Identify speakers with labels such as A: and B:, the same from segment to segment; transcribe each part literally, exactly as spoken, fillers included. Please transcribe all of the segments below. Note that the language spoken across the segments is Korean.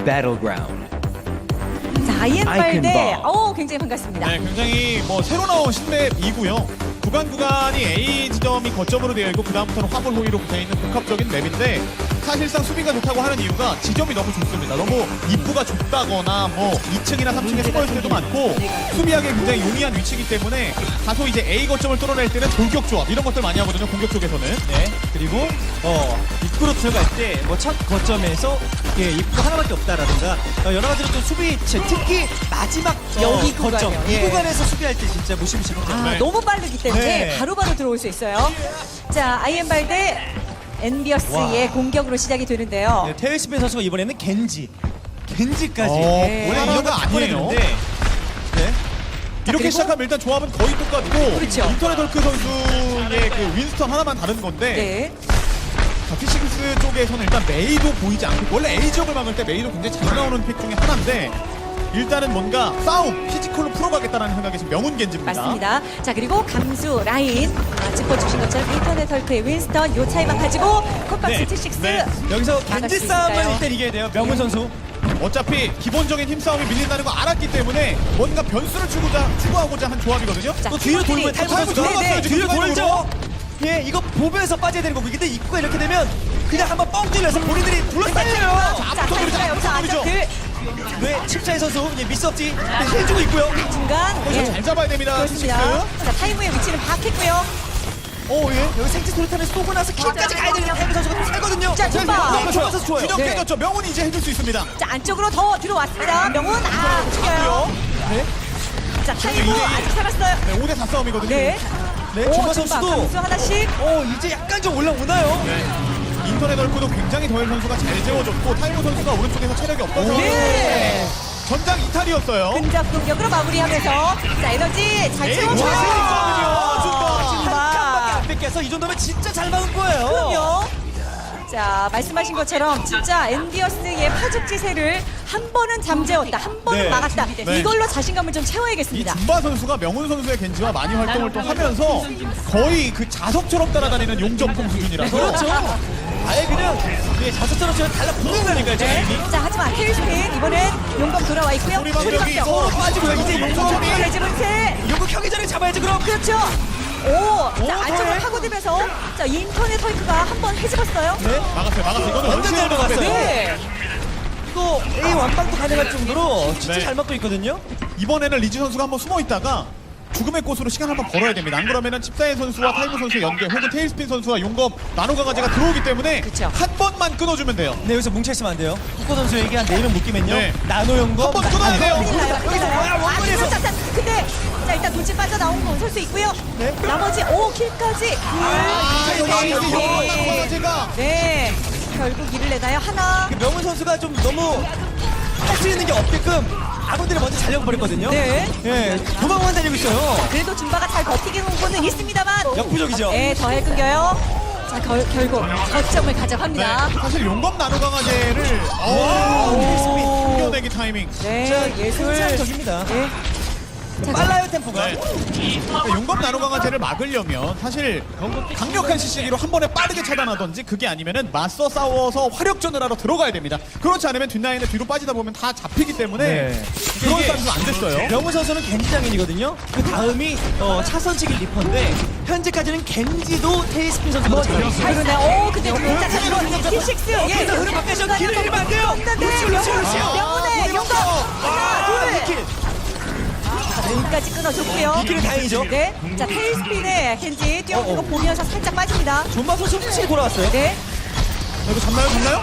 A: battleground.
B: 자, 아이엠발대.
A: 아이콘 바.
B: 어, 굉장히 반갑습니다.
C: 네, 굉장히 뭐 새로 나온 신맵이고요. 구간 구간이 A 지점이 거점으로 되어 있고 그 다음부터는 화물 호위로 되어 있는 복합적인 맵인데 사실상 수비가 좋다고 하는 이유가 지점이 너무 좋습니다. 너무 입구가 좁다거나 뭐 이 층이나 삼 층에 숨어 있을 때도 많고 수비하기 굉장히 용이한 위치이기 때문에 다소 이제 A 거점을 뚫어낼 때는 돌격 조합 이런 것들 많이 하거든요. 공격 쪽에서는.
D: 네. 그리고 어, 입구로 들어갈 때 뭐 첫 거점에서 예, 입구 하나밖에 없다라든가 어, 여러 가지로 좀 수비 체- 특히 마지막 어,
B: 여기
D: 거점
B: 구간이요.
D: 이
B: 예.
D: 구간에서 수비할 때 진짜 무시무시합니다.
B: 아,
C: 네.
B: 너무 빠르기 때문에
D: 네.
B: 바로바로 들어올 수 있어요. 자, 아이엠발대 엔비어스의
D: 와.
B: 공격으로 시작이 되는데요.
D: 네, 테일스핀 선수가 이번에는 겐지 겐지까지
C: 어,
B: 네.
D: 원래
C: 하나가
D: 이런 거
C: 아니에요.
D: 아니에요. 네.
C: 이렇게
B: 그리고-
C: 시작하면 일단 조합은 거의 똑같고
B: 그렇죠.
C: 인터넷 덜크 선수의 그 윈스턴 하나만 다른 건데
B: 네.
C: 자, 피식스 쪽에서는 일단 메이도 보이지 않고 원래 A 지역을 막을 때 메이도 굉장히 잘 나오는 픽 중에 하나인데 일단은 뭔가 싸움, 피지컬로 풀어가겠다는 생각이 지금 명운 겐지입니다.
B: 맞습니다. 자, 그리고 감수 라인 아, 짚어주신 것처럼 인터넷 헐크의 윈스턴 요 차이만 가지고 컵박스
D: 네.
B: 티식스
C: 네.
D: 여기서
B: 막을
D: 겐지
B: 수
D: 싸움을
B: 있을까요?
D: 일단 이겨야 돼요. 명훈 선수.
C: 어차피 기본적인 힘싸움이 밀린다는 거 알았기 때문에 뭔가 변수를 추구자, 추구하고자 한 조합이거든요.
B: 자,
D: 또 뒤로 돌고
B: 팀원들이-
D: 타이머 선수가
B: 네, 네.
D: 뒤로
C: 뒤로
D: 돌죠. 예, 이거 보면서 빠져야 되는 거고. 근데 입구가 이렇게 되면 그냥 한번 뻥 뚫려서 본인들이 둘러싸여요.
B: 자, 타이가 여기서 안정들
D: 네, 칩차이 선수 예, 미스 없지. 네, 해주고 있고요.
B: 중간
C: 어,
B: 예.
C: 잘 잡아야 됩니다.
B: 그렇습니다.
C: 피식스.
B: 자, 타이무의 위치는 파악했고요.
D: 오, 예. 여기 생체 소리탄을 쏘고 나서 킬까지 가야 되는 타이머 선수가 또 살거든요.
B: 자,
C: 자,
B: tumba.
C: 너무 좋아요.
D: 좋아서 좋아요.
C: 균형
B: 네.
C: 깨졌죠. 명운이 이제 해줄 수 있습니다.
B: 자, 안쪽으로 더 들어왔습니다. 명훈 아, 죽여요.
D: 네.
B: 자, 타이무
C: 이제
B: 아직 살았어요.
C: 네, 오 대 사 싸움이거든요.
B: 네.
D: 네,
B: 오,
D: 주마
B: tumba.
D: 선수도
B: 감수 하나씩.
D: 어, 이제 약간 좀 올라오나요?
C: 네. 인터넷 얼굴도 굉장히 더일 선수가 잘 재워줬고 타이머 선수가 오른쪽에서 체력이 없어서
B: 네.
C: 전장 이탈이었어요.
B: 근접 공격으로 마무리하면서 자, 에너지 잘
C: 에이,
B: 채워줘요.
C: 자신 있거든요. 줌바.
D: 한 칸밖에 안 뺏겨서 이 정도면 진짜 잘 막은 거예요.
B: 그럼요. 자, 말씀하신 것처럼 진짜 엔비어스의 파죽지세를 한 번은 잠재웠다, 한 번은
C: 네.
B: 막았다.
C: 네.
B: 이걸로 자신감을 좀
C: 이
B: 채워야겠습니다.
C: 줌바 선수가 명훈 선수의 겐지와 많이 활동을 또 하면서 거의 그 자석처럼 따라다니는 용접품 수준이라서
D: 그렇죠. 아예 그냥 예, 자석처럼 저를 달라붙는다니까요, 저 이미.
B: 자, 하지만 테일스핀 이번엔 용검 돌아와 있고요.
C: 소리 방벽이
B: 소리방벽.
C: 서로
D: 빠지고요. 이제 용검
C: 소리.
B: 대지분세.
D: 요거 켜기 전에 잡아야지 그럼.
B: 그렇죠. 오, 자,
D: 오,
B: 안쪽으로
D: 네.
B: 파고들면서 자, 인터넷 헐크가 한 번 헤집었어요.
D: 네.
C: 막았어요. 막았어요. 이거는
D: 완전 잘 막았어요.
B: 네.
D: 이거 A 완방도 가능할 정도로 진짜
C: 네.
D: 잘 막고 있거든요.
C: 이번에는 리즈 선수가 한번 숨어 있다가 죽음의 꽃으로 시간 한번 벌어야 됩니다. 안 그러면은 칩사인 선수와 타이머 선수의 연계 혹은 테일스핀 선수와 용검 나노 강아지가 들어오기 때문에
B: 그쵸.
C: 한 번만 끊어주면 돼요.
D: 네, 여기서 뭉쳐있으면 안 돼요. 후코 선수에게 한 네이름 묶이면요.
C: 네.
D: 나노 연금.
C: 한번 끊어야 돼요.
B: 큰일 나요. 큰일
D: 여기서 뭐야,
B: 나요. 아,
D: 원거리에서.
B: 자, 자, 근데 자, 일단 돌진 빠져나온 건 설 수 있고요.
D: 네.
B: 나머지 오 킬까지.
C: 아, 여기
B: 네.
C: 이제 용검 나노 강아지가
B: 네. 결국 일을 내나요? 하나.
D: 그 명훈 선수가 좀 너무 할 수 있는 게 없게끔 아군들이 먼저 잘려버렸거든요.
B: 네.
D: 예, 도망만 달리고 있어요.
B: 그래도 줌바가 잘 버티는 건 있습니다만.
D: 역부족이죠.
B: 네, 더 해 끊겨요. 자, 결, 결국 거점을 가져갑니다.
C: 네. 사실 용검 나노 강아지를 오, 이겨내기 타이밍.
B: 네,
D: 자,
B: 예술.
D: 한상적입니다.
B: 네. 자,
D: 빨라요, 템포가.
C: 네. 그러니까 용검 나노 강아지를 막으려면 사실 강력한 시시기로 한 번에 빠르게 차단하던지 그게 아니면은 맞서 싸워서 화력전을 하러 들어가야 됩니다. 그렇지 않으면 뒷라인에 뒤로 빠지다 보면 다 잡히기 때문에
D: 네.
C: 그런
D: 이게
C: 싸움도 안 됐어요.
D: 명훈 선수는 겐지 장인이거든요. 그 다음이 어, 차선치기 리퍼인데 현재까지는 겐지도 테이스핀 선수가 잘해요.
B: 잘 그러네. 오, 근데 진짜 잘 들어. 티식스. 예.
D: 그래서 흐름 바뀌어서 길을 잃으면 안 돼요.
B: 없는데.
D: 루시오, 루시오, 루시오.
B: 명훈의 용감. 하나, 둘.
D: 킬.
B: 자, 여기까지 끊어줬고요.
D: 이 킬은 다행이죠.
B: 네. 자, 테일스핀의 켄지 뛰어오는 거
D: 어, 어.
B: 보면서 살짝 빠집니다.
D: 존마 선수 확실히 돌아왔어요.
B: 네.
C: 이거 잡나요? 잡나요?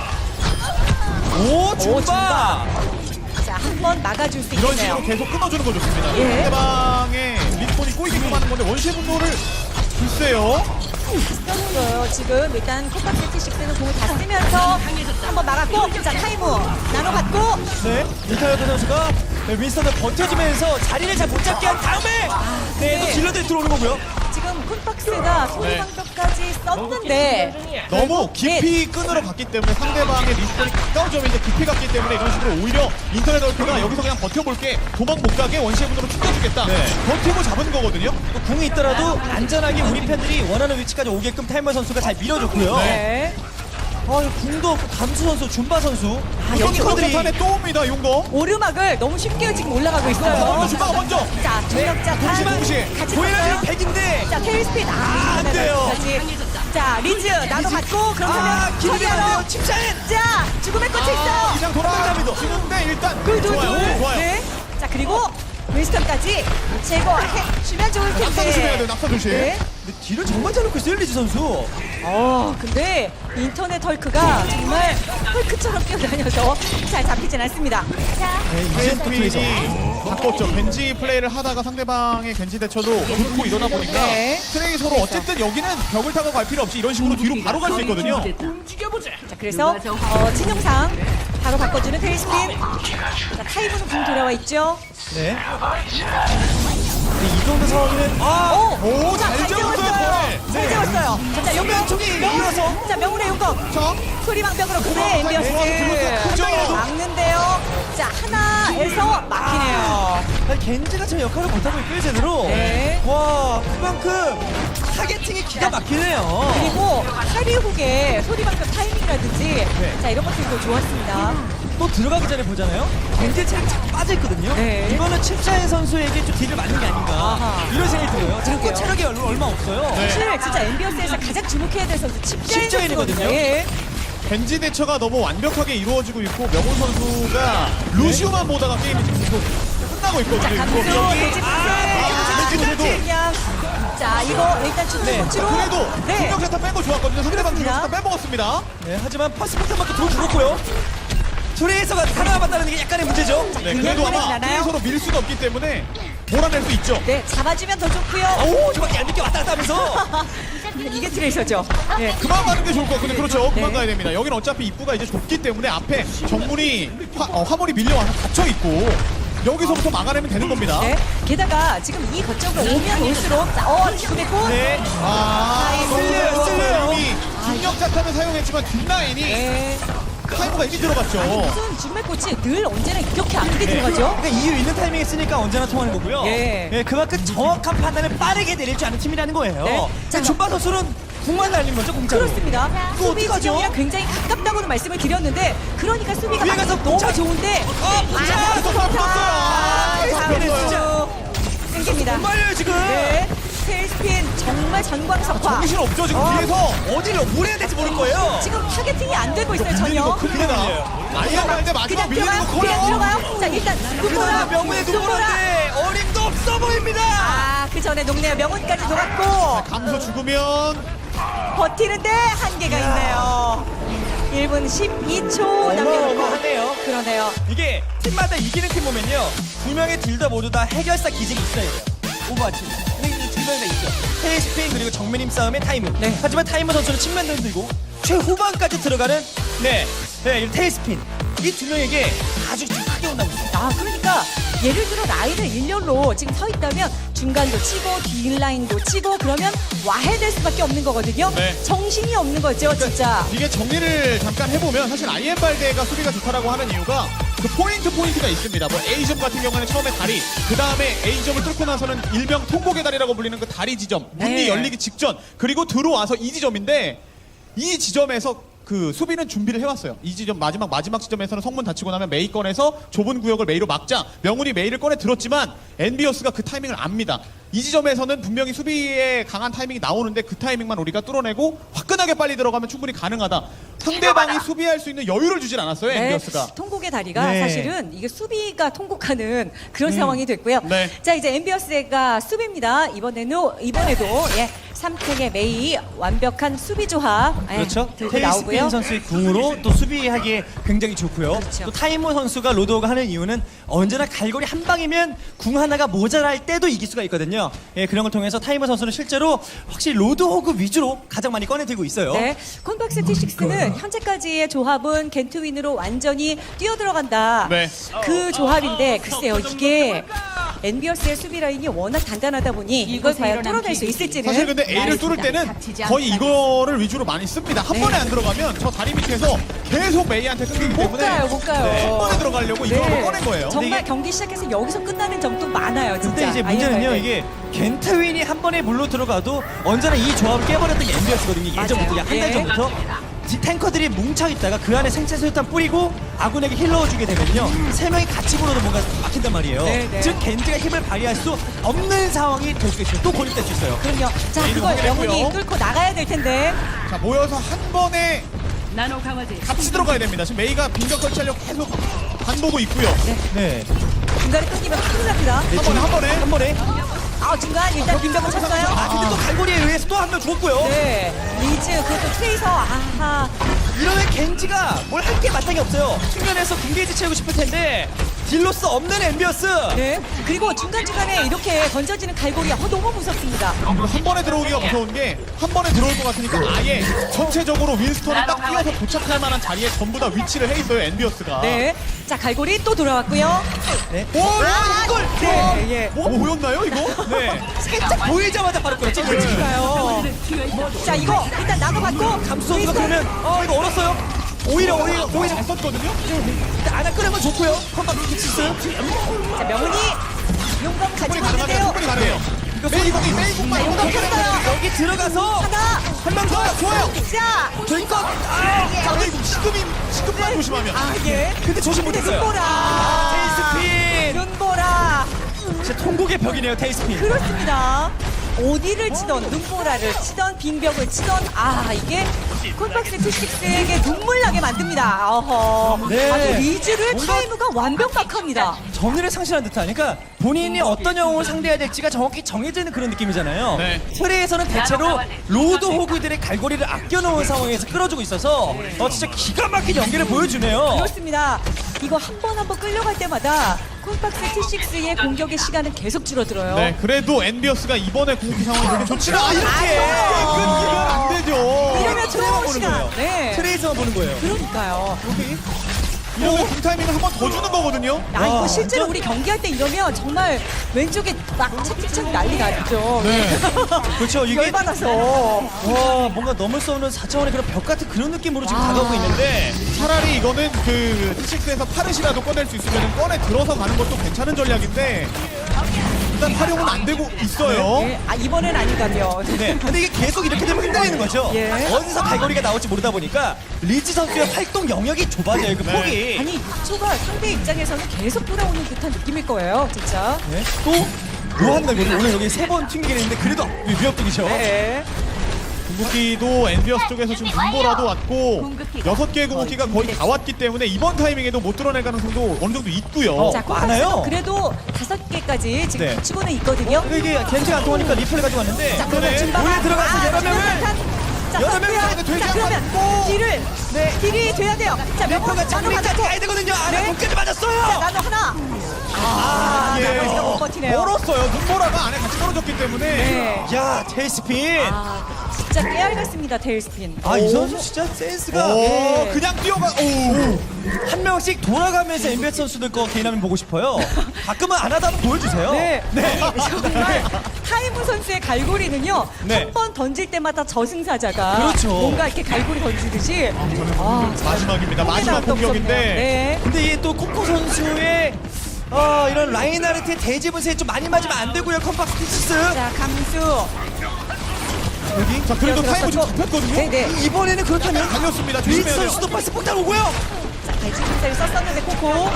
D: 오,
B: 줌바.
D: 존마.
B: 자, 한 번 막아줄 수
C: 이런
B: 있겠네요.
C: 식으로 계속 끊어주는 거 좋습니다.
B: 예.
C: 상대방의 리스폰이 꼬이게끔 하는 건데 원시의 분노를 글쎄요.
B: 썼어요. 지금 일단 컵박스 티식스는 공을 다 쓰면서 한번 막았고, 자, 타이무 나눠받고.
D: 네, 이타이어 선수가 네, 윈스턴을 버텨주면서 자리를 잘 못 잡게 한 다음에 네, 또 질러들이 들어오는 거고요.
B: 지금 콘박스가 소리방벽까지 썼는데
C: 너무 깊이 끊으러 갔기 때문에 상대방의 리스폰이 가까운 점인데 깊이 갔기 때문에 이런 식으로 오히려 인터넷 얼프가 여기서 그냥 버텨볼게 도망 못 가게 원시의 분으로 튕겨주겠다.
D: 네.
C: 버티고 잡은 거거든요.
D: 또 궁이 있더라도 안전하게 우리 팬들이 원하는 위치까지 오게끔 타이머 선수가 잘 밀어줬고요.
B: 네.
D: 어, 이거 궁도 없고 감수 선수, 준바 선수. 아,
C: 여기
D: 여기커들이
C: 컨디션에 또 옵니다, 용거.
B: 오르막을 너무 쉽게 지금 올라가고 있어요.
C: 준바가 먼저.
B: 자, 중력자
C: 동시에, 동시에.
B: 같이
D: 보이라는
B: 쳤어요.
D: 백인데.
B: 자, 테일스핀. 아,
D: 안 돼요.
B: 다시. 자, 리즈 나도 받고 그러면
D: 아, 기분이 안 돼요.
B: 서기하러.
D: 침착해.
B: 자, 죽음의 꽃이 있어.
C: 이상 돌아갑니다. 지는데 일단
B: 그, 두,
C: 좋아요.
B: 둘.
C: 좋아요.
B: 네. 자, 그리고 윈스턴까지 제거해 주면 좋을 텐데.
C: 낙사 조심해야 돼요. 낙사 조심.
B: 네.
D: 근데 뒤를 정말 잘 놓고 있어요, 리즈 선수.
B: 어, 근데 인터넷 헐크가 정말 헐크처럼 뛰어다녀서 잘 잡히진 않습니다. 자,
C: 하이스핀이 바꿨죠. 벤지 플레이를 하다가 상대방의 겐지 대처도 굵고 이러다 보니까
B: 네.
C: 트랙이 서로 어쨌든 여기는 벽을 타고 갈 필요 없이 이런 식으로 뒤로 바로 갈 수 있거든요.
B: 자, 그래서 어, 진영상 바로 바꿔주는 테일스핀. 자, 타이브는 공 돌아와 있죠.
D: 네. 근데 이 정도 상황이면 아,
B: 오,
C: 오,
B: 자,
C: 잘
B: 잘
C: 재웠어요,
B: 재웠어요.
C: 네.
B: 잘 재웠어요. 자, 용병
D: 왼쪽이 밀어서.
B: 자, 명훈의 용검.
C: 자,
B: 소리방벽으로 그대
C: 네,
B: 엠비어스
C: 들어왔어요.
B: 막는데요. 자, 하나에서 막히네요.
D: 아니, 겐지가 저 역할을 못하고 있고요, 제대로.
B: 네.
D: 와, 그만큼 타겟팅이 기가 막히네요.
B: 그리고 하리훅의 소리방벽 타이밍이라든지
C: 네.
B: 자, 이런 것들도 좋았습니다.
D: 또 들어가기 전에 보잖아요. 겐지 체력이 자꾸 빠져있거든요.
B: 네.
D: 이거는 칩샤인 선수에게 좀 딜을 맞는 게 아닌가.
B: 아하.
D: 이런 생각이 들어요. 자꾸
B: 그러게요.
D: 체력이 얼- 얼마 없어요.
C: 네.
B: 사실 진짜 엠비어스에서 가장 주목해야 될 선수 칩자인
D: 칩자인이거든요.
B: 선수거든요. 예.
C: 벤지 대처가 너무 완벽하게 이루어지고 있고 명훈 선수가 루시오만 보다가 게임이 지금 계속 끝나고
B: 자,
C: 있거든요.
B: 감수,
C: 이거.
B: 돼지풀,
C: 아, 돼지풀도.
B: 그냥 자, 이거 일단
D: 네.
B: 주는 코치로
C: 그래도
B: 네.
C: 중력세타 뺀 거 좋았거든요. 상대방
B: 그렇습니다.
C: 중력세타 빼먹었습니다.
D: 네, 하지만 퍼스포트밖에 돈 죽었고요. 트레이서가 살아남았다는 게 약간의 문제죠.
C: 네,
B: 그냥
C: 그래도 아마
B: 보내주나요?
C: 서로 밀 수가 없기 때문에 몰아낼 수 있죠.
B: 네, 잡아주면 더 좋고요.
D: 오, 저밖에 안 늦게 왔다 갔다 하면서.
B: 이게 트레이서죠. 네.
C: 그만 가는 게 좋을 것 같은데 그렇죠. 그만
B: 네.
C: 가야 됩니다. 여기는 어차피 입구가 이제 좁기 때문에 앞에 정문이 화, 어, 화물이 밀려와서 닫혀 있고 여기서부터 막아내면 되는 겁니다.
B: 네. 게다가 지금 이 거점으로 오면 올수록 자, 어, 지금의 꽃.
D: 네.
C: 아,
B: 나이스.
C: 쓸려요, 쓸려요.
B: 아,
C: 이미 중력 자탄을 사용했지만 뒷라인이
B: 네.
C: 타이머가 이미 들어갔죠.
B: 무슨 지금의 꽃이 늘 언제나 이렇게 앞에
D: 네.
B: 들어가죠?
D: 그러니까 이유 있는 타이밍에 쓰니까 언제나 통하는 거고요.
B: 예.
D: 네, 그만큼 정확한 판단을 빠르게 내릴 줄 아는 팀이라는 거예요.
B: 네.
D: 자,
B: 자,
D: 준바 선수는 궁만 날린 거죠, 공짜로.
B: 그렇습니다.
D: 그거
B: 수비
D: 어떡하죠?
B: 지점이랑 굉장히 가깝다고는 말씀을 드렸는데 그러니까 수비가
D: 위에
B: 막
D: 가서
B: 너무
D: 붙자.
B: 좋은데
D: 아, 붙자.
B: 아,
C: 붙었어요, 붙었어요. 아,
B: 잡혔어요. 생깁니다.
D: 정말요, 지금.
B: 네. 테일스핀 정말 전광석화.
C: 정신 없죠 지금
B: 어.
C: 뒤에서.
D: 어디로 물어야 될지 모를 거예요.
B: 지금 타겟팅이 안 되고 있어요
C: 밀리는 거
B: 전혀.
C: 큰일 나요. 아니야 말때 마지막
B: 그냥
C: 밀리는
B: 들어가요?
C: 거
B: 그냥
C: 커요.
B: 들어가요? 자 일단 눈보라.
D: 그러나 명문의 두보라인데 어림도 없어 보입니다.
B: 아그 전에 녹네요. 명훈까지 녹았고
C: 감소 죽으면
B: 버티는데 한계가 있네요. 일 분 십이 초 남겨놓고
D: 어마어마하네요.
B: 그러네요.
D: 이게 팀마다 이기는 팀 보면요, 두 명의 딜 다 모두 다 해결사 기질이 있어야 돼요. 오버워치. 근데 이두 명이 다 있죠. 테이스핀 그리고 정면임 싸움의 타이머.
B: 네.
D: 하지만 타이머 선수는 측면도 들고 최후반까지 들어가는 네, 네, 이 테이스핀. 이 두 명에게 아주 좀 크게 온다고 있어요.
B: 아 그러니까 예를 들어 라인을 일렬로 지금 서 있다면 중간도 치고 뒷라인도 치고 그러면 와해될 수밖에 없는 거거든요.
C: 네.
B: 정신이 없는 거죠 진짜.
C: 이게 정리를 잠깐 해보면 사실 아이엠발데가 수비가 좋다라고 하는 이유가 그 포인트 포인트가 있습니다. 뭐 A점 같은 경우에는 처음에 다리, 그 다음에 A점을 뚫고 나서는 일명 통곡의 다리라고 불리는 그 다리 지점, 문이
B: 네.
C: 열리기 직전, 그리고 들어와서 이 지점인데 이 지점에서 그 수비는 준비를 해왔어요. 이 지점 마지막 마지막 지점에서는 성문 닫히고 나면 메이 꺼내서 좁은 구역을 메이로 막자. 명훈이 메이를 꺼내 들었지만 엔비어스가 그 타이밍을 압니다. 이 지점에서는 분명히 수비에 강한 타이밍이 나오는데 그 타이밍만 우리가 뚫어내고 화끈하게 빨리 들어가면 충분히 가능하다. 상대방이 수비할 수 있는 여유를 주질 않았어요. 엔비어스가.
B: 네, 통곡의 다리가
D: 네.
B: 사실은 이게 수비가 통곡하는 그런 상황이 됐고요.
C: 네.
B: 자 이제 엠비어스가 수비입니다. 이번에는 이번에도 예, 삼탱의 메이 완벽한 수비 조합 예,
D: 그렇죠.
B: 들고 나오고요.
D: 테이스핀 선수의 궁으로 또 수비하기에 굉장히 좋고요.
B: 그렇죠.
D: 또 타이머 선수가 로드오가 하는 이유는 언제나 갈고리 한 방이면 궁 하나가 모자랄 때도 이길 수가 있거든요. 예, 그런 걸 통해서 타이머 선수는 실제로 확실히 로드호그 위주로 가장 많이 꺼내들고 있어요.
B: 네, 콘박스 티식스는 현재까지의 조합은 겐트윈으로 완전히 뛰어들어간다.
C: 네.
B: 그 조합인데 글쎄요 이게 엔비어스의 수비 라인이 워낙 단단하다 보니 이걸 과연 뚫어낼 수 있을지는
C: 사실 근데 A를 뚫을 때는 거의 이거를 위주로 많이 씁니다. 한
B: 네.
C: 번에 안 들어가면 저 다리 밑에서 계속 메이한테 끊기기
B: 못
C: 때문에
B: 가요, 못 가요.
C: 네, 한 번에 들어가려고 이거
B: 네.
C: 꺼낸 거예요.
B: 정말
D: 근데 이게-
B: 경기 시작해서 여기서 끝나는 점도 많아요, 진짜.
D: 근데 이제 문제는요,
B: 아이엠
D: 이게 겐트윈이 한 번에 물로 들어가도 언제나 이 조합을 깨버렸던 게 엔비어스거든요. 예전부터
B: 맞아요.
D: 한 달
B: 예.
D: 전부터. 디- 탱커들이 뭉쳐 있다가 그 안에 생체 소유탄 뿌리고 아군에게 힐 넣어주게 되면요 세 명이 같이 불어도 뭔가 막힌단 말이에요.
B: 네, 네.
D: 즉 겐지가 힘을 발휘할 수 없는 상황이 될 수가 있어요. 또 고립될 수 있어요.
B: 그럼요. 자,
C: 메인을
B: 그걸
C: 확인했고요.
B: 명훈이 뚫고 나가야 될 텐데.
C: 자, 모여서 한 번에
A: 나노 강화제
C: 같이 들어가야 됩니다. 지금 메이가 빈적 설치하려고 계속 간 보고 있고요.
D: 네.
B: 중간에 끊기면 큰일 납니다.
C: 한 번에 한 번에
D: 한 번에.
B: 아, 중간 일단 빈병을 쳤어요.
D: 아 근데 또 갈고리에 의해서 또 한 명 죽었고요.
B: 네. 리즈, 그것도 트레이서. 아하.
D: 이러면 겐지가 뭘 할 게 마땅히 없어요. 측면에서 군게이지 채우고 싶을 텐데 딜로스 없는 엠비어스.
B: 네. 그리고 중간중간에 이렇게 던져지는 갈고리. 어, 너무 무섭습니다.
C: 그리고 한 번에 들어오기가 무서운 게 한 번에 들어올 것 같으니까 아예 전체적으로 윈스턴이 딱 뛰어서 도착할 만한 자리에 전부 다 위치를 해 있어요, 엔비어스가.
B: 네. 자, 갈고리 또 돌아왔고요.
D: 네.
C: 오, 야, 이걸!
B: 네, 예.
C: 뭐 보였나요, 이거?
D: 네. 살짝 보이자마자 바로 끌었죠.
B: 가요. 자, 이거 일단 나눠받고.
D: 감수 선수가 그러면 어 이거 얼었어요. 오히려 오히려
C: 오히려 잘 썼거든요?
D: 안아 끄는 건 좋고요. 컴박 킥스.
B: 자, 명훈이 용감
C: 충분히
B: 가지고
C: 가능하네요,
B: 있는데요.
C: 충분히 가능해요. 메이 공이, 메이 공만
B: 자, 용감 켰어요.
D: 여기 들어가서
B: 하나.
D: 한 명 더.
C: 좋아요.
B: 자,
D: 저희껏.
C: 자, 근데 이거 시급이, 시급만 조심하면.
B: 아, 예.
D: 근데 조심 못했어요.
B: 눈보라.
D: 테이스핀.
B: 눈보라.
D: 진짜 통곡의 벽이네요. 테이스핀.
B: 그렇습니다. 어디를 치던 눈보라를 치던 빙벽을 치던 아 이게 콘박스 투식스에게 눈물 나게 만듭니다. 어허.
D: 네.
B: 아주 리즈를
D: 뭔가-
B: 타이무가 완벽박합니다.
D: 정의를 상실한 듯한. 그러니까 본인이 어떤 영웅을 상대해야 될지가 정확히 정해져 있는 그런 느낌이잖아요.
C: 네.
D: 트레에서는 대체로 로드 호구들의 갈고리를 아껴놓은 상황에서 끌어주고 있어서 어 진짜 기가 막힌 연기를 보여주네요.
B: 그렇습니다. 이거 한 번 한 번 끌려갈 때마다 콘박스 투식스의 공격의 시간은 계속 줄어들어요.
C: 네, 그래도 엔비어스가 이번에 공격 상황이 되게 좋지는 않아요.
D: 이렇게
C: 끊기면 안 되죠.
B: 이러면 좋은 시간. 네.
D: 트레에서만 보는 거예요.
B: 그러니까요.
C: 이러면 궁타이밍을 한 번 더 주는 거거든요.
B: 야 이거
D: 와,
B: 실제로
D: 완전-
B: 우리 경기할 때 이러면 정말 왼쪽에 막 착착착 난리 나죠.
C: 네.
D: 그렇죠. 이게
B: 열받아서.
D: 와 뭔가 넘을 수 없는 사 차원의 그런 벽 같은 그런 느낌으로 지금
B: 아.
D: 다가오고 있는데
C: 차라리 이거는 그 티식스에서 파르시라도 꺼낼 수 있으면 꺼내 들어서 가는 것도 괜찮은 전략인데 일단 활용은 안 되고 있어요.
B: 예, 아 이번엔 아니다며.
D: 네. 근데 이게 계속 이렇게 되면 흔들리는 거죠.
B: 예.
D: 어디서 갈고리가 나올지 모르다 보니까 리즈 선수의 활동 영역이 좁아져요. 그
C: 네.
D: 폭이.
B: 아니 육 초가 상대 입장에서는 계속 돌아오는 듯한 느낌일 거예요, 진짜.
D: 네. 또 묘한 날 오늘 여기 세 번 튕기게 했는데 그래도 위협적이죠.
B: 네.
C: 궁극기도 엔비어스 쪽에서 지금 눈보라도 왔고
A: 궁극기.
C: 여섯 개의 궁극기가 거의 다 왔기 때문에 이번 타이밍에도 못 뚫어낼 가능성도 어느 정도 있고요.
D: 어.
B: 자,
D: 많아요.
B: 콤박스도 그래도 다섯 개까지 지금
D: 네.
B: 갖추고는 있거든요.
D: 근데 이게 겐트가 안 통하니까 리플을 가지고 왔는데
B: 자, 그러면
C: 네.
B: 진바가
D: 오늘 들어가서 여러 명을
B: 자,
D: 여러 명을
B: 썼고요.
C: 이제 되지
B: 자, 그러면
C: 않고.
B: 딜을 네, 딜이 돼야 돼요. 자, 명호가
D: 리플가
B: 나눠
D: 정리까지
B: 가지고
D: 가야 되거든요. 안에
B: 네.
D: 몸까지
B: 자,
D: 맞았어요.
B: 나눠 하나. 아,
C: 예.
B: 나머지가 못 버티네요.
C: 멀었어요. 눈보라가 안에 같이 떨어졌기 때문에.
B: 네.
D: 야 테이스핀.
B: 아, 진짜 깨알 같습니다, 테일스핀.
D: 아 이 선수 진짜 센스가
C: 오,
B: 네.
C: 그냥 뛰어가. 오.
D: 한 명씩 돌아가면서 엠비에스 선수들 거 개인하면 보고 싶어요. 가끔은 안 하다 한번 보여주세요.
B: 네. 아니, 정말 타이무 선수의 갈고리는요.
C: 네.
B: 한 번 던질 때마다 저승사자가
D: 그렇죠.
B: 뭔가 이렇게 갈고리 던지듯이 아,
C: 마지막입니다. 마지막
B: 나왔다
C: 공격인데.
B: 무섭네요. 네.
D: 근데 이 또 코코 선수의 어, 이런 라인하르트의 대지 분쇄에 좀 많이 맞으면 안 되고요. 컴팍스 티시스.
B: 자, 감수.
C: 여기. 자, 그래도 타이머 좀
B: 들어갔었고.
C: 잡혔거든요.
B: 네네.
D: 이번에는 그렇다면
C: 달렸습니다.
D: 리즈
C: 조심해야 돼요.
D: 선수도 파스 폭탄 오고요.
B: 자, 갈치 분쇄를 썼었는데 코코.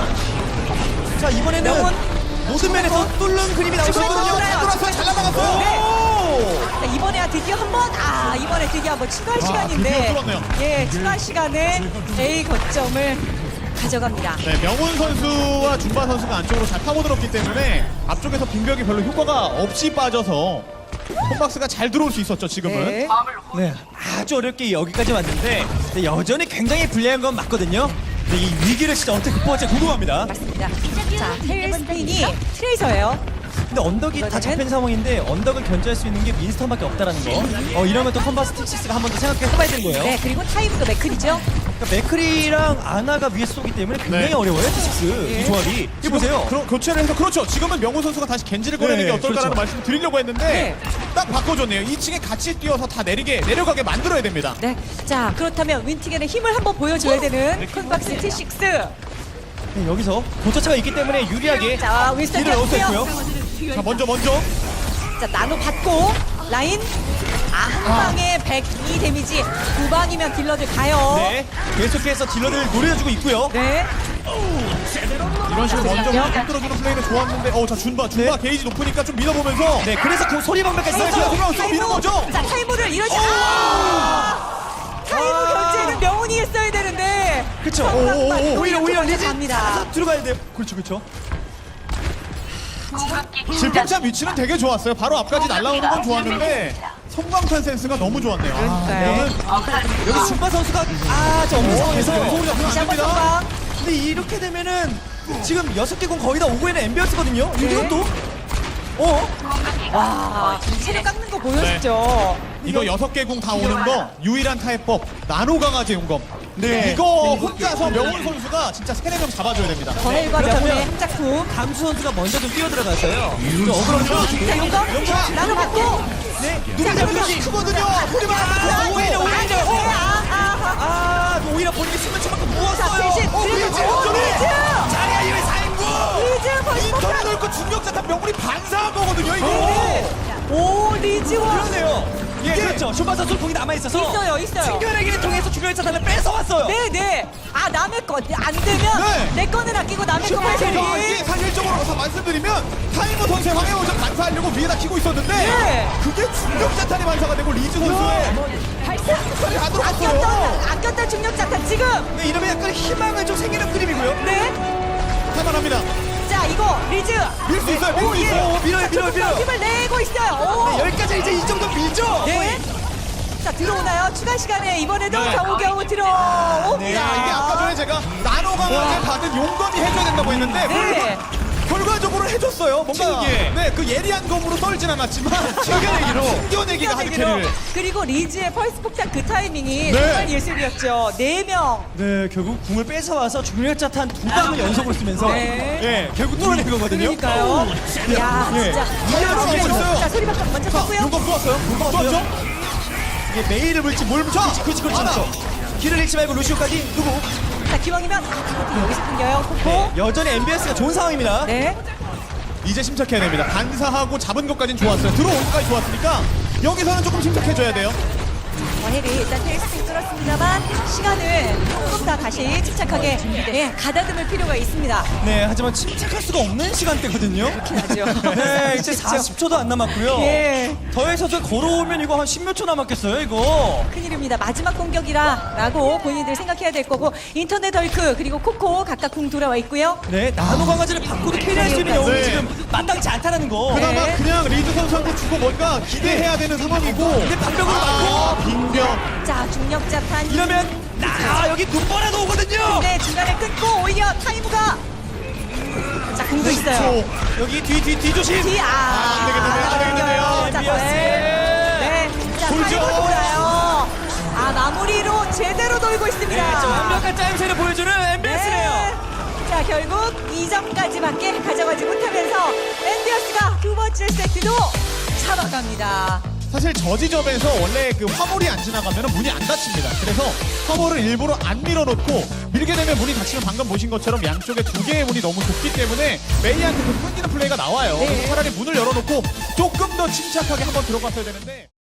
D: 자 이번에는
B: 명훈.
D: 모든 면에서 뚫는 그림이 나오고
B: 중간
D: 있거든요.
B: 돌아요.
C: 돌아서 잘 나가갔어요.
D: 오!
B: 자, 이번에야 드디어 한 번, 아, 이번에 드디어 한번 추가할
C: 아,
B: 시간인데.
C: 드디어 뚫었네요.
B: 예, 추가 시간에 A 거점을 가져갑니다.
C: 네, 명훈 선수와 준바 선수가 안쪽으로 잘 파고들었기 때문에 앞쪽에서 빙벽이 별로 효과가 없이 빠져서 콤박스가 잘 들어올 수 있었죠, 지금은.
B: 네.
D: 네, 아주 어렵게 여기까지 왔는데 근데 여전히 굉장히 불리한 건 맞거든요. 근데 이 위기를 진짜 어떻게 극복할지 궁금합니다.
B: 맞습니다. 자, 테일스핀이 트레이서예요.
D: 근데 언덕이 다 잡힌 상황인데 언덕을 견제할 수 있는 게 윈스턴밖에 없다라는 거. 어 이러면 또 컴바스 틱시스가 한 번 더 생각해 해봐야 되는 거예요.
B: 네, 그리고 타이브도 맥클이죠.
D: 그러니까 맥크리랑 아나가 위에 쏘기 때문에 굉장히
C: 네.
D: 어려워요 틱시스 이 조합이. 이 보세요.
C: 그럼 교체를 해서 그렇죠. 지금은 명훈 선수가 다시 겐지를 꺼내는
D: 네,
C: 게 어떨까라는
D: 그렇죠.
C: 말씀을 드리려고 했는데
B: 네.
C: 딱 바꿔줬네요. 이 층에 같이 뛰어서 다 내리게 내려가게 만들어야 됩니다.
B: 네. 자, 그렇다면 윈티겐의 힘을 한번 보여줘야 되는 콘박스 티식스.
D: 네, 여기서 도처차가 있기 때문에 유리하게
B: 자, 윈스턴
D: 딜을 넣을 수
B: 띄웠고요.
D: 있고요.
C: 자, 먼저 먼저.
B: 자, 나노 받고 라인. 한 방에 백이 데미지, 두 방이면 딜러들 가요.
D: 네, 계속해서 딜러들 노려주고 있고요.
B: 네.
C: 이런 식으로 먼저
B: 잠시만요.
C: 흔들어주는 플레이는 좋았는데 어 자 준바 준바 게이지 높으니까 좀 밀어보면서
D: 네, 그래서 그 소리 방벽까지
C: 네,
D: 썼죠.
C: 그냥 쏙 미는 거죠.
B: 자, 타이머를 이러지. 아! 타이머 결제는 명훈이 했어야 되는데.
D: 그쵸.
C: 오, 오, 오,
B: 오히려
D: 오히려 오히려 리즈
B: 갑니다.
D: 가서 들어가야 돼요. 그렇죠, 그렇죠.
C: 질풍참 위치는 되게 좋았어요. 바로 앞까지 날아오는 건 좋았는데 성광탄 센스가 너무 좋았네요. 아,
B: 네.
C: 이거는
D: 여기 준바 선수가 아저 없는 상황에서
C: 연속으로 잡히면
B: 다시
C: 안
B: 한번
C: 됩니다.
B: 선방.
D: 근데 이렇게 되면은 지금 여섯 개 공 거의 다 오고 있는 엠비어스거든요.
B: 네.
D: 이것도 어?
B: 와, 체력 깎는 거 보여줬죠.
C: 이거 여섯 개 궁 다 오는 거 유일한 타협법 나노 강아지 용검.
D: 네.
C: 이거 혼자서 명훈 선수가 진짜 세네 명 잡아줘야 됩니다.
B: 거헬과
D: 그렇다면-
B: 명훈의 한 작품.
D: 감수 선수가 먼저 좀 뛰어들어갔어요. 좀 억울하죠.
B: 자, 용검 나눠받고.
D: 네.
B: 자,
C: 누가
B: 그러면
C: 잡으면 크거든요. 소리만
B: 아,
C: 하면
B: 오히려,
C: 오히려
B: 오히려. 아, 아, 아.
D: 아, 오히려 본인이 수면 쳐맞고
B: 자,
D: 누웠어요.
B: 대신
C: 어,
B: 그래도
C: 리즈,
B: 오,
C: 리즈.
B: 리즈!
D: 자리야 이외 사인구.
B: 리즈 벌써
C: 인터넷 넓고 중력자탄 명훈이 반사한 거거든요. 이거.
B: 네. 오, 리즈와
D: 그러네요. 예,
C: 이게-
D: 그렇죠. 쇼바 선수 공이 남아 있어서
B: 있어요, 있어요.
D: 충격기를 통해서 중요한 차탄을 뺏어 왔어요.
B: 네, 네. 아, 남의 거 안 되면
C: 네.
B: 내 거는 아끼고 남의 거
C: 슈퍼에서
B: 빼기.
C: 이게 사실적으로 서 말씀드리면 타이머 선수의 황해오전 반사하려고 위에다 키고 있었는데
B: 네.
C: 그게 중력자탄이 반사가 되고 리즈 선수의 팔이 다 들어갔어요.
B: 아꼈던, 아꼈던 중력 자탄 지금.
D: 네, 이러면 약간 희망을 좀 생기는 그림이고요.
B: 네.
C: 탈만합니다.
B: 자, 이거 리즈.
C: 밀 수 있어요. 밀
B: 오,
C: 수
B: 예.
C: 있어요.
D: 오, 밀어요,
B: 자,
D: 밀어요,
B: 조금 더
D: 밀어요.
B: 힘을 내고 있어요. 오.
D: 여기까지 이제 이 정도 밀죠.
B: 네. 자, 들어오나요? 추가 시간에 이번에도
C: 네.
B: 겨우겨우 들어옵니다.
C: 네, 이게 아까 전에 제가 나노 강화제 받은 용검이 해줘야 된다고 했는데
B: 네.
C: 결과적으로 해줬어요. 뭔가
D: 튕기에.
C: 네, 그 예리한 검으로 썰진 않았지만 튕겨내기로 튕겨내기가 하드
B: 튕겨내기로.
C: 캐리를.
B: 그리고 리즈의 펄스 폭탄 그 타이밍이
C: 네.
B: 정말 예술이었죠. 네 명.
D: 네, 결국 궁을 뺏어 와서 중력 자탄 두 방을 연속으로 쓰면서
B: 네.
D: 예, 결국 뚫어낸 거거든요.
B: 그러니까요. 야,
D: 예.
B: 진짜.
C: 이해를
B: 자,
C: 하고 있어요.
B: 자, 소리방금 먼저
C: 자,
B: 쳤고요.
C: 용검 쏘았어요. 용검 쏘았죠?
D: 이게 메일을 물지 뭘 물지 그렇지, 그렇지, 그렇지,
C: 하나.
D: 그렇죠. 길을 잃지 말고 루시오까지 누구?
B: 자, 기왕이면 아, 여기서 끊겨요. 코코.
D: 여전히 엠비에스가 좋은 상황입니다.
B: 네.
C: 이제 침착해야 됩니다. 반사하고 잡은 것까지는 좋았어요. 들어온 것까지 좋았으니까 여기서는 조금 침착해줘야 돼요.
B: 원헬이 일단 테이스팅 뚫었습니다만 시간을 조금 더 다시 침착하게 예, 가다듬을 필요가 있습니다.
D: 네, 하지만 침착할 수가 없는 시간대거든요.
B: 하죠.
D: 네, 이제
B: 그렇죠.
D: 사십 초도 안 남았고요.
B: 예.
D: 더해서 걸어오면 이거 한 십몇 초 남았겠어요, 이거.
B: 큰일입니다. 마지막 공격이라라고 본인들 생각해야 될 거고 인터넷 덜크 그리고 코코 각각 궁 돌아와 있고요.
D: 네, 나노 강아지를 바꾸도 캐리할 수 있는 영웅이
C: 네.
D: 지금 마땅치 않다는 거.
B: 네.
C: 그나마 그냥 리즈 선수한테 주고 뭔가 기대해야 되는 상황이고.
D: 근데 방벽으로
C: 아,
D: 막고
C: 빙병.
B: 자, 중력자탄
D: 이러면 나 여기 눈보라도 오거든요.
B: 네, 중간에 끊고 오히려 타이무가 자, 궁도 있어요.
D: 여기 뒤 뒤 뒤 조심.
B: 뒤, 아,
C: 안 되겠는데요, 안 되겠는데요.
B: 자,
D: 엠비에스.
B: 네. 네. 자,
C: 돌죠.
B: 타이무 돌아요. 아, 마무리로 제대로 돌고 있습니다.
D: 네, 저 완벽한 짜임새를 보여주는 엠비에스네요.
B: 네. 자, 결국 이 점까지밖에 가져가지 못하면서 앤디어스가 두 번째 세트도 잡아갑니다.
C: 사실 저 지점에서 원래 그 화물이 안 지나가면 문이 안 닫힙니다. 그래서 화물을 일부러 안 밀어놓고 밀게 되면 문이 닫히면 방금 보신 것처럼 양쪽에 두 개의 문이 너무 좁기 때문에 메이한테 그 끊기는 플레이가 나와요.
B: 네.
C: 그래서 차라리 문을 열어놓고 조금 더 침착하게 한번 들어갔어야 되는데.